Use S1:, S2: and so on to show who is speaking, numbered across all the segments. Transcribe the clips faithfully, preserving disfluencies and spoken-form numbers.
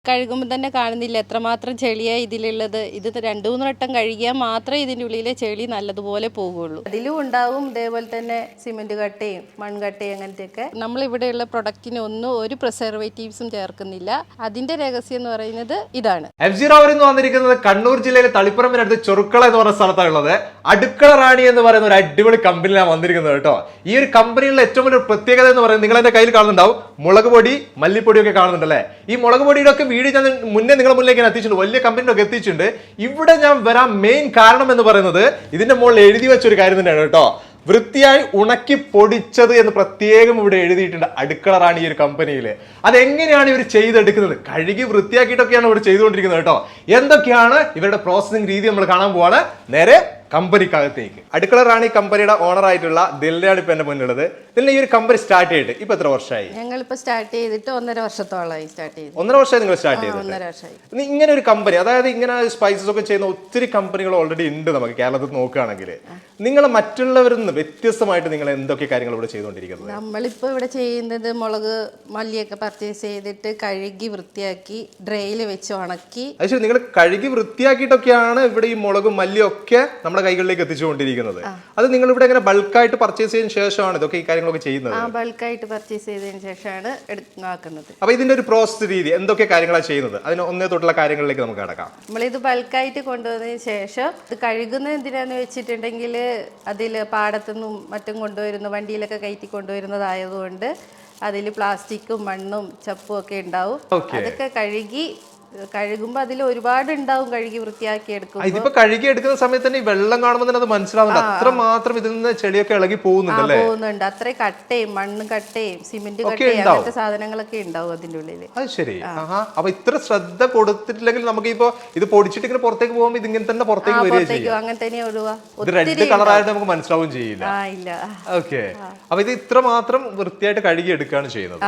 S1: കഴുകുമ്പോൾ തന്നെ കാണുന്നില്ല എത്രമാത്രം ചെളിയാണ് ഇതിലുള്ളത്. ഇത് രണ്ടു മൂന്ന് വട്ടം കഴുകിയാൽ മാത്രമേ ഇതിൻ്റെ ഉള്ളിലെ ചെളി നല്ലതുപോലെ പോകുള്ളൂ. അതിലും ഉണ്ടാവും ഇതേപോലെ തന്നെ സിമെന്റ് കട്ടയും മൺകട്ടയും അങ്ങനത്തെയൊക്കെ. നമ്മളിവിടെയുള്ള പ്രൊഡക്റ്റിന് ഒന്നും ഒരു പ്രിസർവേറ്റീവ്സും ചേർക്കുന്നില്ല. അതിന്റെ രഹസ്യം എന്ന് പറയുന്നത് ഇതാണ്.
S2: എഫ് സി റവർ എന്ന് വന്നിരിക്കുന്നത് കണ്ണൂർ ജില്ലയിലെ തളിപ്പറമ്പിനടുത്ത് ചെറുക്കള എന്ന് പറഞ്ഞ സ്ഥലത്താണ് ഉള്ളത്. അടുക്കള റാണി എന്ന് പറയുന്ന ഒരു അടിപൊളി കമ്പനിയിലാണ് വന്നിരിക്കുന്നത് കേട്ടോ. ഈ ഒരു കമ്പനിയിലെ ഏറ്റവും വലിയ പ്രത്യേകത എന്ന് പറയുന്നത് നിങ്ങൾ എന്റെ കയ്യിൽ കാണുന്നുണ്ടാവും മുളക് പൊടി മല്ലിപ്പൊടിയൊക്കെ കാണുന്നുണ്ടല്ലേ. ഈ മുളക് പൊടിയുടെ ഒക്കെ വീഡിയോ ഞാൻ മുന്നേ നിങ്ങളുടെ മുന്നിലേക്ക് എത്തിച്ചിട്ടുണ്ട്, വലിയ കമ്പനിയൊക്കെ എത്തിച്ചിട്ടുണ്ട്. ഇവിടെ ഞാൻ വരാൻ മെയിൻ കാരണം എന്ന് പറയുന്നത് ഇതിന്റെ മുകളിൽ എഴുതി വെച്ചൊരു കാര്യം തന്നെയാണ് കേട്ടോ. വൃത്തിയായി ഉണക്കി പൊടിച്ചത് എന്ന് പ്രത്യേകം ഇവിടെ എഴുതിയിട്ടുണ്ട് അടുക്കള റാണി ഈ ഒരു കമ്പനിയിൽ. അതെങ്ങനെയാണ് ഇവർ ചെയ്തെടുക്കുന്നത്? കഴുകി വൃത്തിയാക്കിയിട്ടൊക്കെയാണ് ഇവിടെ ചെയ്തുകൊണ്ടിരിക്കുന്നത് കേട്ടോ. എന്തൊക്കെയാണ് ഇവരുടെ പ്രോസസിംഗ് രീതി നമ്മൾ കാണാൻ പോവാണ്. നേരെ കമ്പനിക്കകത്തേക്ക്. അടുക്കള റാണി കമ്പനിയുടെ ഓണർ ആയിട്ടുള്ള ദിൽനയാണ് ഇപ്പൊ എന്റെ മുന്നിലുള്ളത്. ദിൽന, ഈ ഒരു കമ്പനി സ്റ്റാർട്ട് ചെയ്തിട്ട് ഇപ്പൊ എത്ര വർഷമായി?
S1: ഞങ്ങളിപ്പോ സ്റ്റാർട്ട് ചെയ്തിട്ട് ഒന്നര വർഷത്തോളമായി. സ്റ്റാർട്ട് ചെയ്ത്
S2: ഒന്നര വർഷമായി നിങ്ങൾ സ്റ്റാർട്ട് ചെയ്തത്?
S1: ഒന്നര വർഷമായി.
S2: ഇങ്ങനെ ഒരു കമ്പനി, അതായത് ഇങ്ങനെ സ്പൈസസ് ഒക്കെ ചെയ്യുന്ന ഒത്തിരി കമ്പനികൾ ഓൾറെഡി ഉണ്ട് നമുക്ക് കേരളത്തിൽ നോക്കുകയാണെങ്കിൽ. നിങ്ങൾ മറ്റുള്ളവരിൽ നിന്ന് വ്യത്യസ്തമായിട്ട് നിങ്ങൾ എന്തൊക്കെ കാര്യങ്ങൾ ഇവിടെ ചെയ്തുകൊണ്ടിരിക്കുന്നത്?
S1: നമ്മളിപ്പോ ഇവിടെ ചെയ്യുന്നത് മുളക് മല്ലിയൊക്കെ പർച്ചേസ് ചെയ്തിട്ട് കഴുകി വൃത്തിയാക്കി ഡ്രൈയിൽ വെച്ച് ഉണക്കി.
S2: അത് ശരി, നിങ്ങൾ കഴുകി വൃത്തിയാക്കിയിട്ടൊക്കെയാണ് ഇവിടെ ഈ മുളകും മല്ലിയൊക്കെ നമ്മുടെ കൈകളിലേക്ക് എത്തിച്ചുകൊണ്ടിരിക്കുന്നത്. അത് നിങ്ങൾ ഇവിടെ എങ്ങനെ ബൾക്കായിട്ട് പർച്ചേസ് ചെയ്തതിനു ശേഷമാണ് ഇതൊക്കെ ഈ കാര്യങ്ങളൊക്കെ ചെയ്യുന്നത്?
S1: ആ, ബൾക്കായിട്ട് പർച്ചേസ് ചെയ്തതിന് ശേഷമാണ് ആക്കുന്നത്.
S2: അപ്പൊ ഇതിന്റെ ഒരു പ്രോസസ് രീതി എന്തൊക്കെ കാര്യങ്ങളാണ് ചെയ്യുന്നത്? അതിന് ഒന്നേ തൊട്ടുള്ള കാര്യങ്ങളിലേക്ക് നമുക്ക് കടക്കാം.
S1: നമ്മളിത് ബൾക്കായിട്ട് കൊണ്ടുവന്നതിന് ശേഷം ഇത് കഴുകുന്നത് എന്തിനാന്ന് വെച്ചിട്ടുണ്ടെങ്കിൽ അതിൽ പാടത്തുനിന്നും മറ്റും കൊണ്ടുവരുന്ന വണ്ടിയിലൊക്കെ കയറ്റി കൊണ്ടുവരുന്നതായതുകൊണ്ട് അതിൽ പ്ലാസ്റ്റിക്കും മണ്ണും ചപ്പും ഒക്കെ ഉണ്ടാവും. അതൊക്കെ കഴുകി കഴുകുമ്പോ അതിൽ ഒരുപാട് ഉണ്ടാവും. കഴുകി വൃത്തിയാക്കി എടുക്കും.
S2: ഇതിപ്പോ കഴുകി എടുക്കുന്ന സമയത്ത് തന്നെ വെള്ളം കാണുമ്പോൾ തന്നെ അത് മനസ്സിലാവുന്നുണ്ട് അത്ര മാത്രം ഇതിൽ നിന്ന് ചെളിയൊക്കെ ഇളകി പോകുന്നുണ്ട്.
S1: പോകുന്നുണ്ട്. അത്ര കട്ടയും മണ്ണ് കട്ടയും സിമെന്റ് കട്ടയും അങ്ങനത്തെ സാധനങ്ങളൊക്കെ ഉണ്ടാവും അതിന്റെ ഉള്ളിൽ.
S2: അത് ശരി. അപ്പൊ ഇത്ര ശ്രദ്ധ കൊടുത്തിട്ടില്ലെങ്കിൽ നമുക്ക് ഇപ്പൊ ഇത് പൊടിച്ചിട്ട് ഇങ്ങനെ പുറത്തേക്ക് പോകുമ്പോൾ ഇത് ഇങ്ങനെ തന്നെ പുറത്തേക്ക് വരികയും
S1: അങ്ങനെ തന്നെ ഒഴുവാ.
S2: റെഡ് കളറായിട്ട് നമുക്ക് മനസ്സിലാവുകയും ചെയ്യില്ല.
S1: ഇല്ല.
S2: ഓക്കെ. അപ്പൊ ഇത് ഇത്ര മാത്രം വൃത്തിയായിട്ട് കഴുകി എടുക്കുകയാണ് ചെയ്യുന്നത്.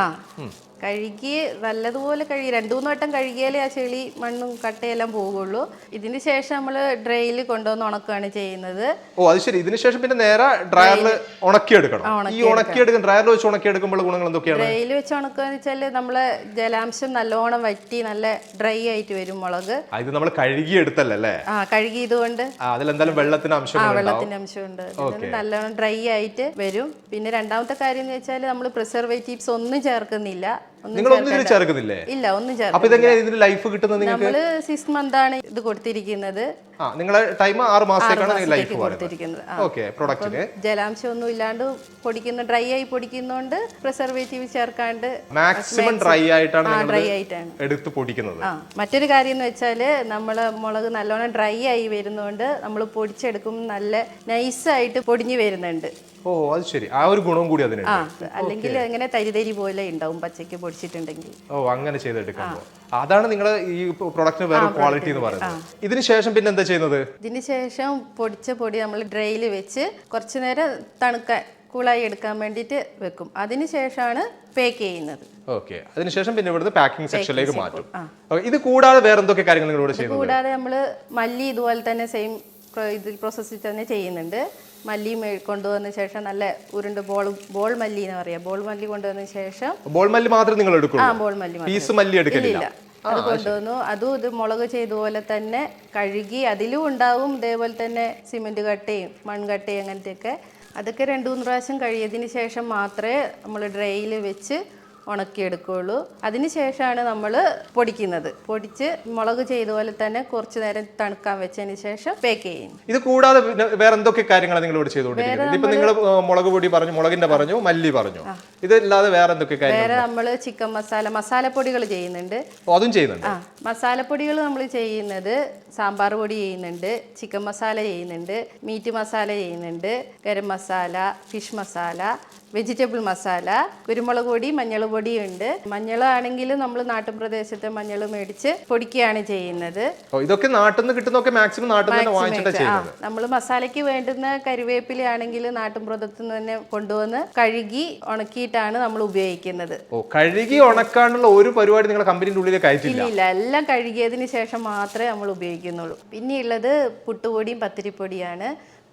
S1: കഴുകി നല്ലതുപോലെ കഴുകി രണ്ടു മൂന്ന് വട്ടം കഴുകിയാലേ ആ ചെളി മണ്ണും കട്ടയെല്ലാം പോകുള്ളൂ. ഇതിന് ശേഷം നമ്മൾ ഡ്രൈയിൽ കൊണ്ടുവന്ന് ഉണക്കുകയാണ് ചെയ്യുന്നത്.
S2: ഓ, അത് ശരി. ഇതിന് ശേഷം പിന്നെ നേരെ ഡ്രയറിൽ ഉണക്കിയെടുക്കണം. ഈ ഉണക്കിയെടുക്കും ഡ്രയറിൽ വെച്ച് ഉണക്കിയെടുക്കുമ്പോൾ ഗുണങ്ങൾ എന്തൊക്കെയാണ്?
S1: ഡ്രൈയിൽ വെച്ച് ഉണക്കുക എന്ന് വെച്ചാൽ നമ്മളെ ജലാംശം നല്ലോണം വറ്റി നല്ല ഡ്രൈ ആയിട്ട് വരും മുളക്.
S2: ഇത് നമ്മൾ കഴുകി എടുത്തല്ലേ? ആ,
S1: കഴുകി ഇതുകൊണ്ട്
S2: അതിലെന്തായാലും വെള്ളത്തിന്റെ അംശം
S1: വെള്ളത്തിന്റെ അംശമുണ്ട്. നല്ലോണം ഡ്രൈ ആയിട്ട് വരും. പിന്നെ രണ്ടാമത്തെ കാര്യം എന്ന് വെച്ചാൽ നമ്മൾ പ്രിസർവേറ്റീവ്സ് ഒന്നും ചേർക്കുന്നില്ല.
S2: നിങ്ങൾ ഒന്നും ചേർക്കുന്നില്ലേ?
S1: ഇല്ല, ഒന്നും ചേർക്കുന്നില്ല.
S2: അപ്പൊ ഇതെങ്ങനെ ഇതിന് ലൈഫ് കിട്ടുന്നത്?
S1: നമ്മള് സിക്സ് മന്ത് ആണ് ഇത് കൊടുത്തിരിക്കുന്നത്.
S2: ആ, നിങ്ങളെ ടൈം ആറ് മാസത്തേക്കാണ് ലൈഫ് കൊടുത്തിരിക്കുന്നത്. ഓക്കേ. പ്രൊഡക്റ്റിന്
S1: ജലാംശം ഒന്നും ഇല്ലാണ്ട് പൊടിക്കുന്ന ഡ്രൈ ആയി പൊടിക്കുന്നോണ്ട് പ്രിസർവേറ്റീവ് ചേർക്കാണ്ട്
S2: മാക്സിമം ഡ്രൈ ആയിട്ടാണ്
S1: ഡ്രൈ ആയിട്ടാണ്
S2: എടുത്ത് പൊടിക്കുന്നത്.
S1: ആ, മറ്റൊരു കാര്യം എന്ന് വെച്ചാല് നമ്മള് മുളക് നല്ലോണം ഡ്രൈ ആയി വരുന്നോണ്ട് നമ്മൾ പൊടിച്ചെടുക്കുമ്പോൾ നല്ല നൈസായിട്ട് പൊടിഞ്ഞു വരുന്നുണ്ട്.
S2: ഓ, അത് ശരി. ആ ഒരു ഗുണം കൂടി അതിനുണ്ട്.
S1: അല്ലെങ്കിൽ അങ്ങനെ തരിതരി പോലെ ഉണ്ടാവും പച്ചക്ക് പൊടിച്ചിട്ടുണ്ടെങ്കിൽ.
S2: ഓ, അങ്ങനെ ചെയ്തെടുക്കുമ്പോൾ അതാണ് നിങ്ങൾ ഈ പ്രൊഡക്റ്റിന് വേറെ ക്വാളിറ്റി എന്ന് പറയുന്നത്. ഇതിന് ശേഷം പിന്നെ എന്താ ചെയ്യുന്നത്?
S1: ഇതിന് ശേഷം പൊടിച്ച പൊടി നമ്മൾ ഡ്രൈയിൽ വെച്ച് കുറച്ചു നേരം തണുക്കാൻ കൂളായി എടുക്കാൻ വേണ്ടിയിട്ട് വെക്കും. അതിനുശേഷമാണ് പാക്ക് ചെയ്യുന്നത്.
S2: ഓക്കെ. അതിനുശേഷം പിന്നെ ഇവിടുന്ന് പാക്കിംഗ് സെക്ഷനിലേക്ക് മാറ്റും. ഇത് കൂടാതെ വേറെ എന്തൊക്കെ കാര്യങ്ങൾ നിങ്ങളോട് ചെയ്യുന്നത്?
S1: കൂടാതെ നമ്മൾ മല്ലി ഇതുപോലെ തന്നെ സെയിം ഇതിൽ പ്രോസസ്സിൽ തന്നെ ചെയ്യുന്നുണ്ട്. മല്ലി കൊണ്ടുവന്ന ശേഷം നല്ല ഉരുണ്ട് ബോൾ ബോൾ മല്ലി എന്ന് പറയാം. ബോൾ മല്ലി കൊണ്ടുവന്ന ശേഷം
S2: ബോൾ മല്ലി മാത്രം നിങ്ങൾ എടുക്കും?
S1: ആ, ബോൾ മല്ലി
S2: പീസ് മല്ലി എടുക്കില്ല.
S1: അത് കൊണ്ടുവന്നു. അതും ഇത് മുളക് ചെയ്തതുപോലെ തന്നെ കഴുകി അതിലും ഉണ്ടാവും ഇതേപോലെ തന്നെ സിമെന്റ് കട്ടയും മൺകട്ടയും അങ്ങനത്തെയൊക്കെ. അതൊക്കെ രണ്ടു മൂന്ന് പ്രാവശ്യം കഴിയതിന് ശേഷം മാത്രമേ നമ്മൾ ഡ്രൈയിൽ വെച്ച് ഉണക്കിയെടുക്കുകയുള്ളൂ. അതിനുശേഷമാണ് നമ്മൾ പൊടിക്കുന്നത്. പൊടിച്ച് മുളക് ചെയ്ത പോലെ തന്നെ കുറച്ചു നേരം തണുക്കാൻ വെച്ചതിന് ശേഷം പാക്ക് ചെയ്യും.
S2: ഇത് കൂടാതെ വേറെ എന്തൊക്കെ കാര്യങ്ങളാണ് നിങ്ങൾ ഇവിടെ ചെയ്തുകൊണ്ടിരിക്കുന്നത്? ഇപ്പൊ നിങ്ങൾ മുളക് പൊടി പറഞ്ഞു, മുളകിന്റെ പറഞ്ഞു, മല്ലി പറഞ്ഞു. ഇതല്ലാതെ വേറെ എന്തൊക്കെ കാര്യങ്ങൾ?
S1: വേറെ നമ്മൾ ചിക്കൻ മസാല മസാലപ്പൊടികൾ ചെയ്യുന്നുണ്ട്.
S2: അതും ചെയ്യുന്നുണ്ട്.
S1: ആ, മസാലപ്പൊടികൾ നമ്മൾ ചെയ്യുന്നത് സാമ്പാർ പൊടി ചെയ്യുന്നുണ്ട്, ചിക്കൻ മസാല ചെയ്യുന്നുണ്ട്, മീറ്റ് മസാല ചെയ്യുന്നുണ്ട്, ഗരം മസാല, ഫിഷ് മസാല, വെജിറ്റബിൾ മസാല, കുരുമുളക് പൊടി, മഞ്ഞൾ പൊടിയുണ്ട്. മഞ്ഞളാണെങ്കിൽ നമ്മൾ നാട്ടിൻ പ്രദേശത്തെ മഞ്ഞൾ മേടിച്ച് പൊടിക്കുകയാണ് ചെയ്യുന്നത്.
S2: ഇതൊക്കെ നാട്ടിൽ നിന്ന് കിട്ടുന്നൊക്കെ മാക്സിമം നാട്ടിൽ നിന്ന് വാങ്ങിച്ചിട്ടാണ് ചെയ്യുന്നത്.
S1: നമ്മൾ മസാലയ്ക്ക് വേണ്ടുന്ന കരിവേപ്പിലയാണെങ്കിൽ നാട്ടിൻ പ്രദേശത്ത് നിന്ന് തന്നെ കൊണ്ടുവന്ന് കഴുകി ഉണക്കിയിട്ടാണ് നമ്മൾ ഉപയോഗിക്കുന്നത്.
S2: ഓ, കഴുകി ഉണക്കാനുള്ള ഒരു പരിപാടി നിങ്ങളുടെ കമ്പനിയുടെ ഉള്ളിലേക്ക് അയച്ചില്ല?
S1: ഇല്ല, എല്ലാം കഴുകിയതിന് ശേഷം മാത്രമേ നമ്മൾ ഉപയോഗിക്കുന്നുള്ളൂ. പിന്നെയുള്ളത് പുട്ടുപൊടിയും പത്തിരിപ്പൊടിയാണ്.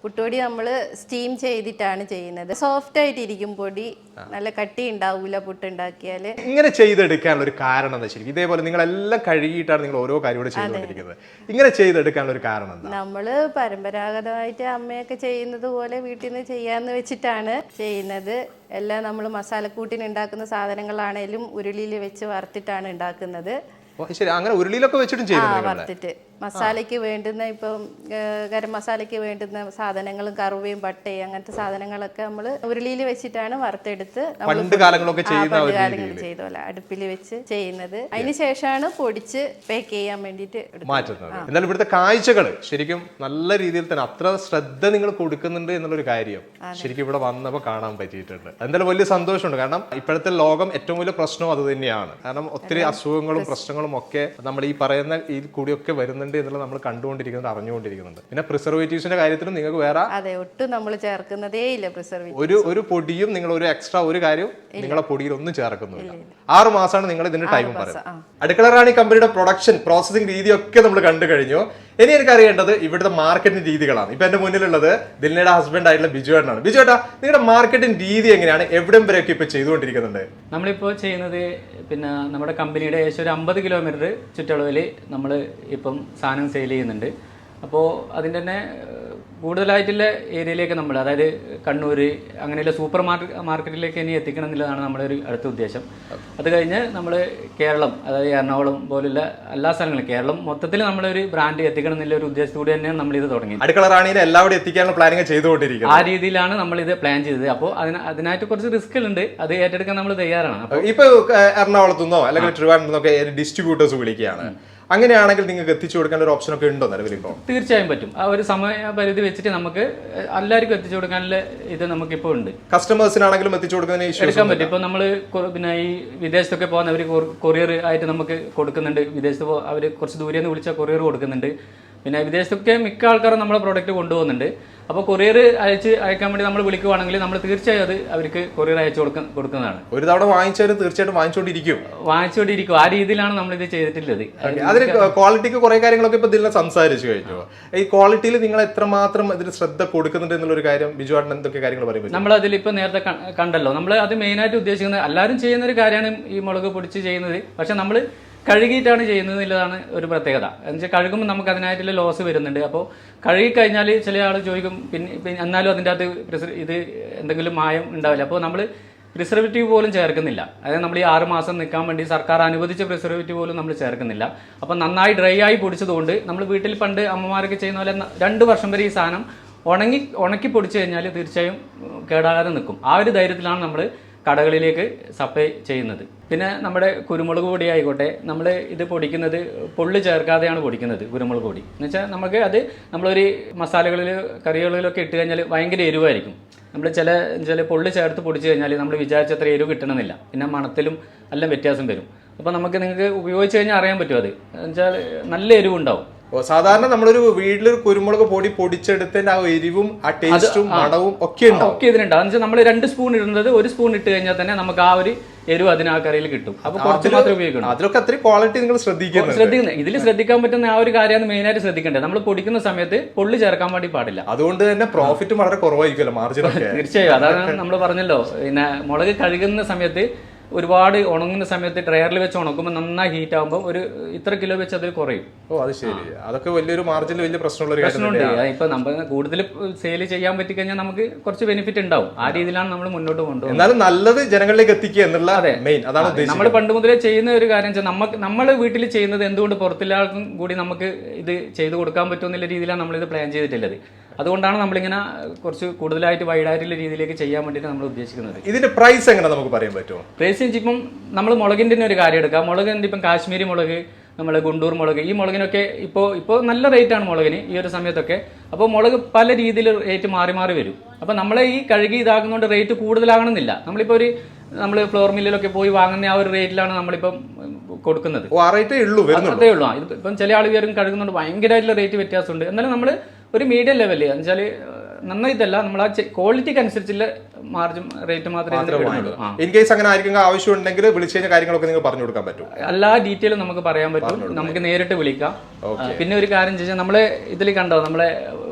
S1: പുട്ടുപൊടി നമ്മൾ സ്റ്റീം ചെയ്തിട്ടാണ് ചെയ്യുന്നത്. സോഫ്റ്റ് ആയിട്ടിരിക്കും പൊടി, നല്ല കട്ടി ഉണ്ടാവില്ല പുട്ടുണ്ടാക്കിയാൽ.
S2: ഇങ്ങനെ ചെയ്തെടുക്കാനുള്ള ഒരു കാരണം എന്താ ശരിക്കും? ഇതേപോലെ നിങ്ങളെല്ലാം കഴുകിയിട്ടാണ് നിങ്ങൾ ഓരോ കാര്യം കൂടെ ചെയ്തുകൊണ്ടിരിക്കുന്നത്. ഇങ്ങനെ ചെയ്തെടുക്കാനുള്ള ഒരു കാരണം എന്താ?
S1: നമ്മൾ പരമ്പരാഗതമായിട്ട് അമ്മയൊക്കെ ചെയ്യുന്നത് പോലെ വീട്ടിൽ നിന്ന് ചെയ്യാന്ന് വെച്ചിട്ടാണ് ചെയ്യുന്നത്. എല്ലാം നമ്മൾ മസാലക്കൂട്ടിന് ഉണ്ടാക്കുന്ന സാധനങ്ങളാണേലും ഉരുളിയിൽ വെച്ച് വറുത്തിട്ടാണ് ഉണ്ടാക്കുന്നത്.
S2: ശരി, അങ്ങനെ ഉരുളിയിലൊക്കെ വെച്ചിട്ടും ചെയ്യുന്നുണ്ട്.
S1: വറുത്തിട്ട് മസാലയ്ക്ക് വേണ്ടുന്ന ഇപ്പം ഗരം മസാലയ്ക്ക് വേണ്ടുന്ന സാധനങ്ങളും കറുവയും പട്ടയും അങ്ങനത്തെ സാധനങ്ങളൊക്കെ നമ്മൾ ഉരുളിയിൽ വെച്ചിട്ടാണ് വറുത്തെടുത്ത്
S2: പണ്ട് കാലങ്ങളൊക്കെ
S1: ചെയ്ത പോലെ അടുപ്പിൽ വെച്ച് ചെയ്യുന്നത്. അതിന് ശേഷമാണ് പൊടിച്ച് പാക്ക് ചെയ്യാൻ വേണ്ടിയിട്ട്
S2: മാറ്റുന്നത്. എന്നാലും ഇവിടുത്തെ കാഴ്ചകൾ ശരിക്കും നല്ല രീതിയിൽ തന്നെ അത്ര ശ്രദ്ധ നിങ്ങൾ കൊടുക്കുന്നുണ്ട് എന്നുള്ളൊരു കാര്യം ശരിക്കും ഇവിടെ വന്നപ്പോൾ കാണാൻ പറ്റിയിട്ടുണ്ട്. എന്തായാലും വലിയ സന്തോഷമുണ്ട്. കാരണം ഇപ്പോഴത്തെ ലോകം ഏറ്റവും വലിയ പ്രശ്നം അത് തന്നെയാണ്. കാരണം ഒത്തിരി അസുഖങ്ങളും പ്രശ്നങ്ങളും ഒക്കെ നമ്മൾ ഈ പറയുന്ന ഈ കൂടിയൊക്കെ വരുന്നുണ്ട് എന്നുള്ളത് നമ്മൾ കണ്ടുകൊണ്ടിരിക്കുന്നത്, അറിഞ്ഞുകൊണ്ടിരിക്കുന്നുണ്ട്. പിന്നെ പ്രിസർവേറ്റീവ്സിന്റെ കാര്യത്തിലും നിങ്ങൾക്ക് വേറെ
S1: അതെ ഒട്ടും നമ്മൾ ചേർക്കുന്നതേ ഇല്ല. പ്രിസർവേറ്റീവ്
S2: ഒരു ഒരു പൊടിയും നിങ്ങൾ ഒരു എക്സ്ട്രാ ഒരു കാര്യം നിങ്ങളെ പൊടിയിൽ ഒന്നും ചേർക്കുന്നില്ല. ആറ് മാസമാണ് നിങ്ങൾ ഇതിന്റെ ടൈം പറയുന്നത്. അടുക്കള റാണി കമ്പനിയുടെ പ്രൊഡക്ഷൻ പ്രോസസിംഗ് രീതിയൊക്കെ നമ്മൾ കണ്ടു കഴിഞ്ഞു. ഇനി എനിക്ക് അറിയേണ്ടത് ഇവിടുത്തെ മാർക്കറ്റിംഗ് രീതികളാണ്. ഇപ്പൊ എന്റെ മുന്നിലുള്ളത് ദിൽനയുടെ ഹസ്ബൻഡ് ആയിട്ടുള്ള ബിജു ഏട്ടനാണ്. ബിജു ഏട്ടാ, നിങ്ങളുടെ മാർക്കറ്റിംഗ് രീതി എങ്ങനെയാണ്? എവിടം വരെയൊക്കെ ഇപ്പൊ ചെയ്തുകൊണ്ടിരിക്കുന്നുണ്ട്?
S3: നമ്മളിപ്പോൾ ചെയ്യുന്നത് പിന്നെ നമ്മുടെ കമ്പനിയുടെ ഏകദേശം ഒരു അമ്പത് കിലോമീറ്റർ ചുറ്റളവിൽ നമ്മൾ ഇപ്പം സാധനം സെയിൽ ചെയ്യുന്നുണ്ട്. അപ്പോൾ അതിൻ്റെ തന്നെ കൂടുതലായിട്ടുള്ള ഏരിയയിലേക്ക് നമ്മൾ, അതായത് കണ്ണൂർ അങ്ങനെയുള്ള സൂപ്പർ മാർക്കറ്റ് മാർക്കറ്റിലേക്ക് ഇനി എത്തിക്കണം എന്നുള്ളതാണ് നമ്മുടെ ഒരു അടുത്ത ഉദ്ദേശം. അത് കഴിഞ്ഞ് നമ്മൾ കേരളം, അതായത് എറണാകുളം പോലുള്ള എല്ലാ സ്ഥലങ്ങളും കേരളം മൊത്തത്തിൽ നമ്മളൊരു ബ്രാൻഡ് എത്തിക്കണം എന്നുള്ള ഒരു ഉദ്ദേശത്തോടെ തന്നെയാണ് നമ്മളിത് തുടങ്ങിയത്.
S2: അടുക്കള റാണിനെ എല്ലാവരും എത്തിക്കാനുള്ള പ്ലാനിങ് ചെയ്തുകൊണ്ടിരിക്കുന്നത്.
S3: ആ രീതിയിലാണ് നമ്മളിത് പ്ലാൻ ചെയ്തത്. അപ്പോൾ അതിന് അതിനായിട്ട് കുറച്ച് റിസ്ക്കുകളുണ്ട്, അത് ഏറ്റെടുക്കാൻ നമ്മൾ തയ്യാറാണ്. അപ്പോൾ
S2: ഇപ്പൊ എറണാകുളത്തുനിന്നോ അല്ലെങ്കിൽ ട്രിവാൻഡ്രത്തുനിന്നോ ഡിസ്ട്രിബ്യൂട്ടേഴ്സ് വിളിക്കുകയാണ്. അങ്ങനെയാണെങ്കിൽ നിങ്ങൾക്ക് എത്തിച്ചു കൊടുക്കാൻ ഒരു ഓപ്ഷൻ ഒക്കെ ഉണ്ടോ നിലവിൽ? ഇപ്പോൾ
S3: തീർച്ചയായും പറ്റും. ആ ഒരു സമയപരിധി വെച്ചിട്ട് നമുക്ക് എല്ലാവർക്കും എത്തിച്ചു കൊടുക്കാനുള്ള ഇത് നമുക്കിപ്പോൾ ഉണ്ട്.
S2: കസ്റ്റമേഴ്സിനാണെങ്കിലും എത്തിച്ചു കൊടുക്കുന്നതിന്
S3: എടുക്കാൻ പറ്റും. ഇപ്പോൾ നമ്മൾ പിന്നെ ഈ വിദേശത്തൊക്കെ പോകുന്ന അവർ കൊറിയർ ആയിട്ട് നമുക്ക് കൊടുക്കുന്നുണ്ട്. വിദേശത്ത് പോ അവർ കുറച്ച് ദൂരെ നിന്ന് വിളിച്ചാൽ കൊറിയർ കൊടുക്കുന്നുണ്ട്. പിന്നെ വിദേശത്തൊക്കെ മിക്ക ആൾക്കാരും നമ്മളെ പ്രോഡക്റ്റ് കൊണ്ടുപോകുന്നുണ്ട്. അപ്പോൾ കൊറിയർ അയച്ച് അയക്കാൻ വേണ്ടി നമ്മൾ വിളിക്കുവാണെങ്കിൽ നമ്മൾ തീർച്ചയായും അത് അവർക്ക് കൊറിയർ അയച്ചു കൊടുക്ക കൊടുക്കുന്നതാണ്.
S2: ഒരു തവണ വാങ്ങിച്ചാലും തീർച്ചയായിട്ടും വാങ്ങിച്ചുകൊണ്ടിരിക്കും
S3: വാങ്ങിച്ചുകൊണ്ടിരിക്കും ആ രീതിയിലാണ് നമ്മളിത് ചെയ്തിട്ടുള്ളത്.
S2: അതിന് ക്വാളിറ്റിക്ക് കുറെ കാര്യങ്ങളൊക്കെ ഇപ്പൊ ഇതിൽ സംസാരിച്ചു കഴിഞ്ഞു. ഈ ക്വാളിറ്റിയിൽ നിങ്ങൾ എത്രമാത്രം ഇതിന് ശ്രദ്ധ കൊടുക്കുന്നുണ്ട് എന്നുള്ളൊരു കാര്യം ബിജു ആട്ടൻ എന്തൊക്കെ കാര്യങ്ങൾ പറയുമ്പോൾ
S3: നമ്മൾ അതിൽ ഇപ്പൊ നേരത്തെ കണ്ടല്ലോ. നമ്മൾ അത് മെയിനായിട്ട് ഉദ്ദേശിക്കുന്നത് എല്ലാവരും ചെയ്യുന്ന ഒരു കാര്യമാണ് ഈ മുളക് പൊടിച്ച് ചെയ്യുന്നത്. പക്ഷെ നമ്മൾ കഴുകിയിട്ടാണ് ചെയ്യുന്നത് എന്നുള്ളതാണ് ഒരു പ്രത്യേകത. എന്ന് വെച്ചാൽ കഴുകുമ്പോൾ നമുക്ക് അതിനായിട്ടുള്ള ലോസ് വരുന്നുണ്ട്. അപ്പോൾ കഴുകി കഴിഞ്ഞാൽ ചില ആൾ ചോദിക്കും പിന്നെ എന്നാലും അതിൻ്റെ അകത്ത് ഇത് എന്തെങ്കിലും മായം ഉണ്ടാവില്ല. അപ്പോൾ നമ്മൾ പ്രിസർവേറ്റീവ് പോലും ചേർക്കുന്നില്ല. അതായത് നമ്മൾ ഈ ആറ് മാസം നിൽക്കാൻ വേണ്ടി സർക്കാർ അനുവദിച്ച പ്രിസർവേറ്റീവ് പോലും നമ്മൾ ചേർക്കുന്നില്ല. അപ്പം നന്നായി ഡ്രൈ ആയി പൊടിച്ചതുകൊണ്ട് നമ്മൾ വീട്ടിൽ പണ്ട് അമ്മമാരൊക്കെ ചെയ്യുന്ന പോലെ രണ്ട് വർഷം വരെ ഈ സാധനം ഉണങ്ങി ഉണക്കി പൊടിച്ചു കഴിഞ്ഞാൽ തീർച്ചയായും കേടാകാതെ നിൽക്കും. ആ ഒരു ധൈര്യത്തിലാണ് നമ്മൾ കടകളിലേക്ക് സപ്ലൈ ചെയ്യുന്നത്. പിന്നെ നമ്മുടെ കുരുമുളക് പൊടി ആയിക്കോട്ടെ, നമ്മൾ ഇത് പൊടിക്കുന്നത് പൊള്ളി ചേർക്കാതെയാണ് പൊടിക്കുന്നത്. കുരുമുളക് പൊടി എന്ന് വെച്ചാൽ നമുക്ക് അത് നമ്മളൊരു മസാലകളിൽ കറികളിലൊക്കെ ഇട്ട് കഴിഞ്ഞാൽ ഭയങ്കര എരിവായിരിക്കും. നമ്മൾ ചില ചില പൊള്ളി ചേർത്ത് പൊടിച്ചു കഴിഞ്ഞാൽ നമ്മൾ വിചാരിച്ചത്ര എരിവ് കിട്ടണമെന്നില്ല. പിന്നെ മണത്തിലും എല്ലാം വ്യത്യാസം വരും. അപ്പോൾ നമുക്ക് നിങ്ങൾക്ക് ഉപയോഗിച്ച് കഴിഞ്ഞാൽ അറിയാൻ പറ്റും. അത് എന്നുവെച്ചാൽ നല്ല എരിവുണ്ടാവും.
S2: സാധാരണ നമ്മളൊരു വീട്ടിലൊരു കുരുമുളക് പൊടി പൊടിച്ചെടുത്തതിന്റെ ആ എരിവും ആ ടേസ്റ്റും മണവും ഒക്കെ ഉണ്ടാവും.
S3: ഒക്കെ ഇതിനുണ്ടാവും. എന്ന് വെച്ചാൽ നമ്മൾ രണ്ട് സ്പൂൺ ഇടുന്നത് ഒരു സ്പൂൺ ഇട്ട് കഴിഞ്ഞാൽ തന്നെ നമുക്ക് ആ ഒരു എരിവ് അതിന് ആ കറിയിൽ കിട്ടും. അപ്പൊ കുറച്ച് മാത്രമേ ഉപയോഗിക്കണം.
S2: അതിലൊക്കെ അത്രയും ക്വാളിറ്റി നിങ്ങൾ ശ്രദ്ധിക്കുന്നത്
S3: ശ്രദ്ധിക്കുന്നത് ഇതിൽ ശ്രദ്ധിക്കാൻ പറ്റുന്ന ആ ഒരു കാര്യമാണ് മെയിനായിട്ട് ശ്രദ്ധിക്കേണ്ടത്. നമ്മൾ പൊടിക്കുന്ന സമയത്ത് പൊള്ളി ചേർക്കാൻ വേണ്ടി പാടില്ല.
S2: അതുകൊണ്ട് തന്നെ പ്രോഫിറ്റ് വളരെ കുറവായിരിക്കുമല്ലോ, മാർജിൻ.
S3: തീർച്ചയായും അതാണ് നമ്മൾ പറഞ്ഞല്ലോ. പിന്നെ മുളക് കഴുകുന്ന സമയത്ത് ഒരുപാട് ഉണങ്ങുന്ന സമയത്ത് ഡ്രയറിൽ വെച്ച് ഉണക്കുമ്പോൾ നന്നായി ഹീറ്റ് ആകുമ്പോൾ ഒരു ഇത്ര കിലോ വെച്ച് അതിൽ കുറയും.
S2: ഓ അത് ശരി. അതൊക്കെ വലിയൊരു മാർജിനിൽ വലിയ പ്രശ്നമുള്ള
S3: പ്രശ്നമുണ്ട്. ഇപ്പൊ നമ്മൾ കൂടുതൽ സെയിൽ ചെയ്യാൻ പറ്റി കഴിഞ്ഞാൽ നമുക്ക് കുറച്ച് ബെനിഫിറ്റ് ഉണ്ടാവും. ആ രീതിയിലാണ് നമ്മൾ മുന്നോട്ട് കൊണ്ടുപോകുന്നത്.
S2: എന്നാലും നല്ലത് ജനങ്ങളിലേക്ക് എത്തിക്കുക എന്നുള്ള മെയിൻ അതാണ്
S3: നമ്മൾ പണ്ട് മുതലേ ചെയ്യുന്ന ഒരു കാര്യം വെച്ചാൽ നമുക്ക് നമ്മൾ വീട്ടിൽ ചെയ്യുന്നത് എന്തുകൊണ്ട് പുറത്തുള്ളവർക്കും കൂടി നമുക്ക് ഇത് ചെയ്തു കൊടുക്കാൻ പറ്റുമെന്നുള്ള രീതിയിലാണ് നമ്മളിത് പ്ലാൻ ചെയ്തിട്ടുള്ളത്. അതുകൊണ്ടാണ് നമ്മളിങ്ങനെ കുറച്ച് കൂടുതലായിട്ട് വൈഡായിട്ടുള്ള രീതിയിലേക്ക് ചെയ്യാൻ വേണ്ടിയിട്ട് നമ്മൾ ഉദ്ദേശിക്കുന്നത്.
S2: ഇതിന്റെ പ്രൈസ് എങ്ങനെ നമുക്ക് പറയാൻ പറ്റുമോ?
S3: പ്രൈസ് ഇപ്പം നമ്മൾ മുളകിൻ്റെ ഒരു കാര്യം എടുക്കാം. മുളകിൻ്റെ ഇപ്പം കാശ്മീരി മുളക്, നമ്മൾ ഗുണ്ടൂർ മുളക്, ഈ മുളകിനൊക്കെ ഇപ്പോൾ ഇപ്പോൾ നല്ല റേറ്റാണ് മുളകിന് ഈ ഒരു സമയത്തൊക്കെ. അപ്പോൾ മുളക് പല രീതിയിൽ റേറ്റ് മാറി മാറി വരും. അപ്പോൾ നമ്മളെ ഈ കഴുകി ഇതാകുന്നതുകൊണ്ട് റേറ്റ് കൂടുതലാകണമെന്നില്ല. നമ്മളിപ്പോൾ ഒരു നമ്മൾ ഫ്ലോർ മില്ലിലൊക്കെ പോയി വാങ്ങുന്ന ആ ഒരു റേറ്റിലാണ് നമ്മളിപ്പം കൊടുക്കുന്നത്. അതേ ഉള്ളൂ. ഇപ്പം ചില ആളുകളും കഴുകുന്നുണ്ട് ഭയങ്കരമായിട്ടുള്ള റേറ്റ് വ്യത്യാസമുണ്ട്. എന്നാലും നമ്മൾ ഒരു മീഡിയം ലെവലിൽ എന്ന് വെച്ചാൽ നന്നായിട്ടല്ല, നമ്മൾ ആ ക്വാളിറ്റിക്ക് അനുസരിച്ചുള്ള മാർജിൻ റേറ്റ് മാത്രമേ.
S2: ഇൻ കേസ് അങ്ങനെ ആയിരിക്കും ആവശ്യം ഉണ്ടെങ്കിൽ വിളിച്ചു കഴിഞ്ഞ കാര്യങ്ങളൊക്കെ നിങ്ങൾ പറഞ്ഞു കൊടുക്കാൻ പറ്റും.
S3: എല്ലാ ഡീറ്റെയിലും നമുക്ക് പറയാൻ പറ്റും. നമുക്ക് നേരിട്ട് വിളിക്കാം. പിന്നെ ഒരു കാര്യം ചോദിച്ചാൽ നമ്മളെ ഇതിൽ കണ്ടോ, നമ്മളെ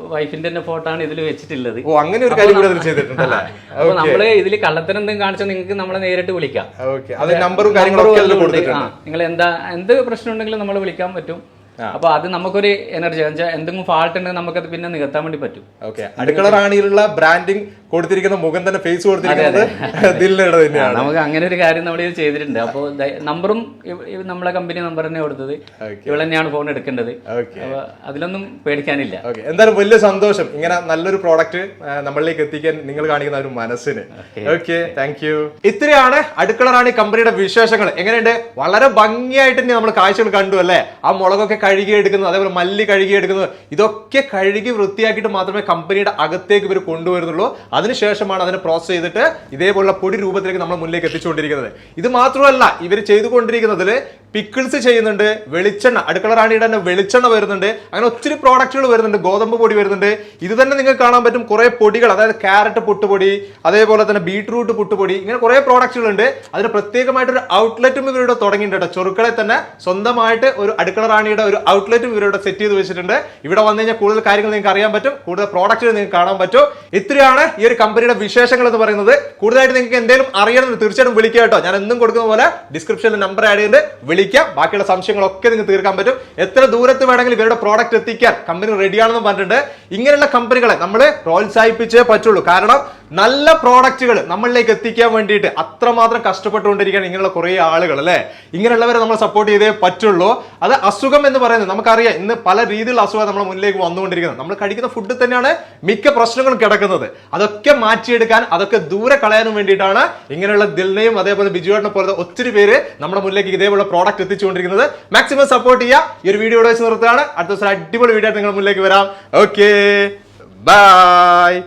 S3: വൈഫിന്റെ തന്നെ ഫോട്ടോ ആണ് ഇതിൽ വെച്ചിട്ടുള്ളത്.
S2: ഓ അങ്ങനെ ഒരു കാര്യം കൂടി അതിൽ ചെയ്തിട്ടുണ്ടല്ലേ?
S3: അപ്പൊ നമ്മള് ഇതിൽ കള്ളത്തരം എന്തെങ്കിലും കാണിച്ചാൽ നിങ്ങൾക്ക് നമ്മളെ നേരിട്ട് വിളിക്കാം.
S2: ഓക്കെ, അത് നമ്പറും കാര്യങ്ങളൊക്കെ അതിൽ കൊടുത്തിട്ടുണ്ട്.
S3: നിങ്ങൾ എന്താ എന്ത് പ്രശ്നം ഉണ്ടെങ്കിലും നമ്മൾ വിളിക്കാൻ പറ്റും. അപ്പൊ അത് നമുക്കൊരു എനർജി എന്തെങ്കിലും ഫാൾട്ട് ഉണ്ടെങ്കിൽ നമുക്കത് പിന്നെ നികത്താൻ വേണ്ടി പറ്റും.
S2: ഓക്കെ, അടുക്കള റാണിയിലുള്ള ബ്രാൻഡിങ് കൊടുത്തിരിക്കുന്ന മുഖം തന്നെ ഫേസ് കൊടുത്തിരിക്കുന്നത് ദിൽനയുടെ തന്നെയാണ്.
S3: നമുക്ക് അങ്ങനെ ഒരു കാര്യം നമ്മൾ ഇത് ചെയ്തിട്ടുണ്ട്. അപ്പോൾ നമ്പറും നമ്മളെ കമ്പനി നമ്പർ തന്നെ കൊടുത്തത്, ഇവിടെ തന്നെയാണ് ഫോൺ എടുക്കേണ്ടത്. അപ്പൊ അതിലൊന്നും പേടിക്കാനില്ല.
S2: ഓക്കെ, എന്തായാലും വലിയ സന്തോഷം ഇങ്ങനെ നല്ലൊരു പ്രോഡക്റ്റ് നമ്മളിലേക്ക് എത്തിക്കാൻ നിങ്ങൾ കാണിക്കുന്ന ഒരു മനസ്സിന്. Okay, thank you. ഇത്രയാണ് അടുക്കള റാണി കമ്പനിയുടെ വിശേഷങ്ങൾ. എങ്ങനെയുണ്ട്? വളരെ ഭംഗിയായിട്ട് തന്നെ നമ്മൾ കാഴ്ചകൾ കണ്ടു അല്ലേ? ആ മുളകൊക്കെ കഴുകി എടുക്കുന്നത്, അതേപോലെ മല്ലി കഴുകി എടുക്കുന്നത്, ഇതൊക്കെ കഴുകി വൃത്തിയാക്കിയിട്ട് മാത്രമേ കമ്പനിയുടെ അകത്തേക്ക് ഇവർ കൊണ്ടുവരുന്നുള്ളൂ. അതിനുശേഷമാണ് അതിനെ പ്രോസസ് ചെയ്തിട്ട് ഇതേപോലുള്ള പൊടി രൂപത്തിലേക്ക് നമ്മൾ മുന്നിലേക്ക് എത്തിച്ചുകൊണ്ടിരിക്കുന്നത്. ഇത് മാത്രമല്ല, ഇവർ ചെയ്തുകൊണ്ടിരിക്കുന്നതിൽ പിക്കിൾസ് ചെയ്യുന്നുണ്ട്, വെളിച്ചെണ്ണ, അടുക്കള റാണിയുടെ തന്നെ വെളിച്ചെണ്ണ വരുന്നുണ്ട്, അങ്ങനെ ഒത്തിരി പ്രോഡക്റ്റുകൾ വരുന്നുണ്ട്, ഗോതമ്പ് പൊടി വരുന്നുണ്ട്. ഇത് തന്നെ നിങ്ങൾക്ക് കാണാൻ പറ്റും കുറെ പൊടികൾ, അതായത് ക്യാരറ്റ് പുട്ടുപൊടി, അതേപോലെ തന്നെ ബീട്രൂട്ട് പുട്ടുപൊടി, ഇങ്ങനെ കുറെ പ്രോഡക്റ്റുകൾ ഉണ്ട്. അതിന് പ്രത്യേകമായിട്ടൊരു ഔട്ട്ലെറ്റും ഇവരുടെ തുടങ്ങിയിട്ടുണ്ട്. ചെറുക്കളെ തന്നെ സ്വന്തമായിട്ട് ഒരു അടുക്കള റാണിയുടെ ഒരു ഔട്ട്ലെറ്റും ഇവരുടെ സെറ്റ് ചെയ്ത് വെച്ചിട്ടുണ്ട്. ഇവിടെ വന്നു കഴിഞ്ഞാൽ കൂടുതൽ കാര്യങ്ങൾ നിങ്ങൾക്ക് അറിയാൻ പറ്റും, കൂടുതൽ പ്രോഡക്റ്റുകൾ നിങ്ങൾക്ക് കാണാൻ പറ്റും. ഇത്രയാണ് ഈ ഒരു കമ്പനിയുടെ വിശേഷങ്ങൾ എന്ന് പറയുന്നത്. കൂടുതലായിട്ട് നിങ്ങൾക്ക് എന്തെങ്കിലും അറിയണമെന്ന് തീർച്ചയായിട്ടും വിളിക്കുക കേട്ടോ. ഞാൻ എന്നും കൊടുക്കുന്ന പോലെ ഡിസ്ക്രിപ്ഷനിൽ നമ്പർ ആഡ് ചെയ്ത് വിളിക്കാം. ബാക്കിയുള്ള സംശയങ്ങളൊക്കെ നിങ്ങൾക്ക് തീർക്കാൻ പറ്റും. എത്ര ദൂരത്ത് വേണമെങ്കിലും ഇവരുടെ പ്രോഡക്റ്റ് എത്തിക്കാൻ കമ്പനി റെഡിയാണെന്ന് പറഞ്ഞിട്ടുണ്ട്. ഇങ്ങനെയുള്ള കമ്പനികളെ നമ്മൾ പ്രോത്സാഹിപ്പിച്ചേ പറ്റുള്ളൂ. കാരണം നല്ല പ്രോഡക്റ്റുകൾ നമ്മളിലേക്ക് എത്തിക്കാൻ വേണ്ടിയിട്ട് അത്രമാത്രം കഷ്ടപ്പെട്ടുകൊണ്ടിരിക്കുകയാണ് ഇങ്ങനെയുള്ള കുറേ ആളുകൾ അല്ലേ. ഇങ്ങനെയുള്ളവരെ നമ്മൾ സപ്പോർട്ട് ചെയ്തേ പറ്റുള്ളൂ. അത് അസുഖം എന്ന് പറയുന്നത് നമുക്കറിയാം, ഇന്ന് പല രീതിയിലുള്ള അസുഖം നമ്മുടെ മുന്നിലേക്ക് വന്നുകൊണ്ടിരിക്കുന്നത്. നമ്മൾ കഴിക്കുന്ന ഫുഡിൽ തന്നെയാണ് മിക്ക പ്രശ്നങ്ങളും കിടക്കുന്നത്. അതൊക്കെ മാറ്റിയെടുക്കാൻ, അതൊക്കെ ദൂരെ കളയാനും വേണ്ടിയിട്ടാണ് ഇങ്ങനെയുള്ള ദിൽനയും അതേപോലെ ബിജുവേട്ടനെ പോലത്തെ ഒത്തിരി പേര് നമ്മുടെ മുന്നിലേക്ക് ഇതേപോലെ പ്രോഡക്റ്റ് എത്തിച്ചുകൊണ്ടിരിക്കുന്നത്. മാക്സിമം സപ്പോർട്ട് ചെയ്യുക. ഈ ഒരു വീഡിയോ വെച്ച് നിർത്തുകയാണ്. അടുത്ത ദിവസം അടിപൊളി വീഡിയോ നിങ്ങളുടെ മുന്നിലേക്ക് വരാം. Okay, by.